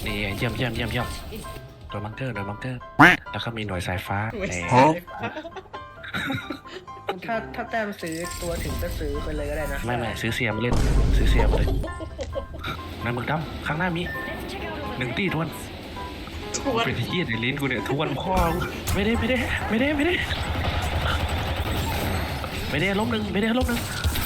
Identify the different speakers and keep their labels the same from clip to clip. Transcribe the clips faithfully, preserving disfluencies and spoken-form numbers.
Speaker 1: นี่เยี่ยมเยี่ยมเยี่ยมเยี่ยมโดนบังเกอร์โดนบังเกอร์แล้วก็มีหน่วยสายฟ้าแหม
Speaker 2: ถ้าถ้าแต้มซื้อตัวถึงก็ซื้อไปเลยก็ได้นะ
Speaker 1: ไม่ไม่ซื้อเสียมาเล่นซื้อเสียมาเลยนายมึงดำข้างหน้ามีหนึ่งตีทวน
Speaker 3: ชวน
Speaker 1: เป็นที่ในลิ้นกูเนี่ยทวนพ่อไม่ได้ไม่ได้ไม่ได้ไม่ได้ไม่ได้ล้มหนึ่งไม่ได้ล้มหนึ่ง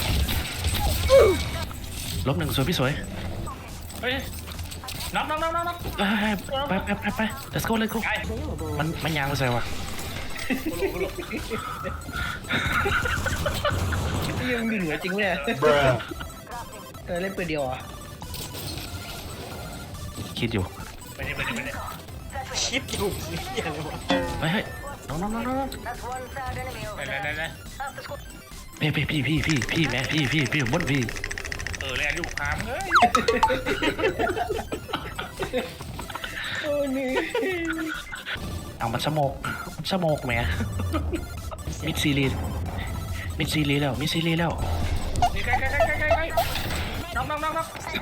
Speaker 1: ล้มหนึ่งสวยพี่สวย
Speaker 4: เฮ้ยน็อกน็อกน็อกน็อกน็อก
Speaker 1: ไปไปไปไป let's go let's go มันมันยางมาใส่วะ
Speaker 2: ยังเหนือจริงเนี่ยเออเล่นปืนเดียวอ่ะ
Speaker 1: คิดอยู่
Speaker 4: ไปดิไปดิไปดิ
Speaker 3: คิดอยู่นี่อะไรวะ
Speaker 1: เฮ้ยเฮ้ยน้องน้องน้องน้อง
Speaker 4: ไปเลยเลยเลย
Speaker 1: พี่พี่พี่พี่พี่พี่แม่พี่พี่พี่บนพี่
Speaker 4: เออแลนอยู่พามเฮ้ย
Speaker 2: โอ้นี่
Speaker 1: เอามันสโมกสโมกแม่มิดซีรีส์มิดซีรีส์แล้วมิดซีรีส์แล้ว
Speaker 4: นี่ใกล้ใกล้ใกล้ใกล้ใกล้น็อกน็อกน็อกน็อก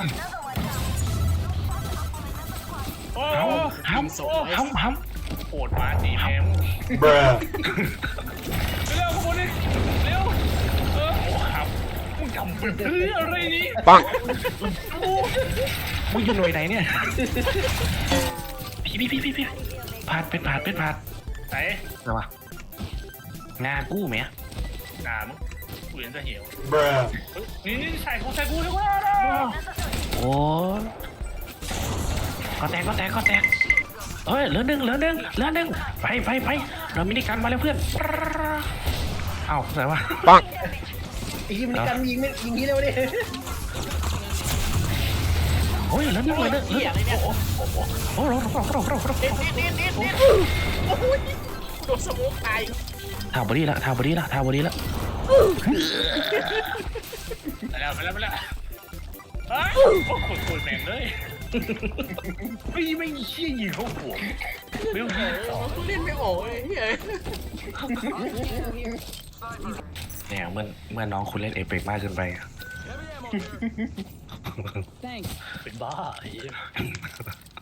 Speaker 4: โอ้
Speaker 1: ห้ำห้ำห้ำห้ำ
Speaker 4: โหดมาดีแม่ง
Speaker 5: Bruh.
Speaker 4: เร็วขบวนนี่เร็วเออโอ้ครับมึงทำเป็นเพื่ออะไรนี่
Speaker 5: Bonk.
Speaker 1: มึงอยู่หน่วยไหนเนี่ยพี่พี่พี่พี่พี่ผาดเป็นผาดเป็นผาด
Speaker 4: ไหน
Speaker 1: อะไรวะงากู้แม่
Speaker 4: หนามึงกูเห็นจะเหี่ยว
Speaker 5: Bruh.
Speaker 4: นี่นี่ใส่กูใส่กูดีกว่า
Speaker 1: โอ้ก็แตกก็แตกก็แตกเฮ้ยเหลือหนึ่งเหลือหนึ่งเหลือหนึ่งไปไปไปเรามินิกันมาแล้วเพื่อนเอ้าอะไรวะ
Speaker 5: Bonk.
Speaker 2: ไอ้ยิงมันกันยิงไม่ยิงนี้แล้วดิ
Speaker 1: โอ้ยเหลือหนึ่งเหลือหนึ่งเหลือหนึ่งโอ้โหโอ้โหโอ้โหโอ้โหโอ้โห
Speaker 3: เด็ดเด็ดเด็ดเด็ดเด็ดโอ้ยโดนสโมกตาย
Speaker 1: ทาบอดี้ละทาบอดี้ละทาบอดี้ละ
Speaker 4: ไปแล้วไปแล้วไปแล้วเฮ้ยโอ้โหโคตรแม่งเลยไม่ไม่เชี่ยยิงเขาหัวไม่ต้องยิงต่อ
Speaker 3: เล่นไม่ออกเลยเฮ้ย
Speaker 1: เนี่ยเมื่อเมื่อน้องคุณเล่นเอเปกมากเกินไป
Speaker 4: เป็นบ้าไอ้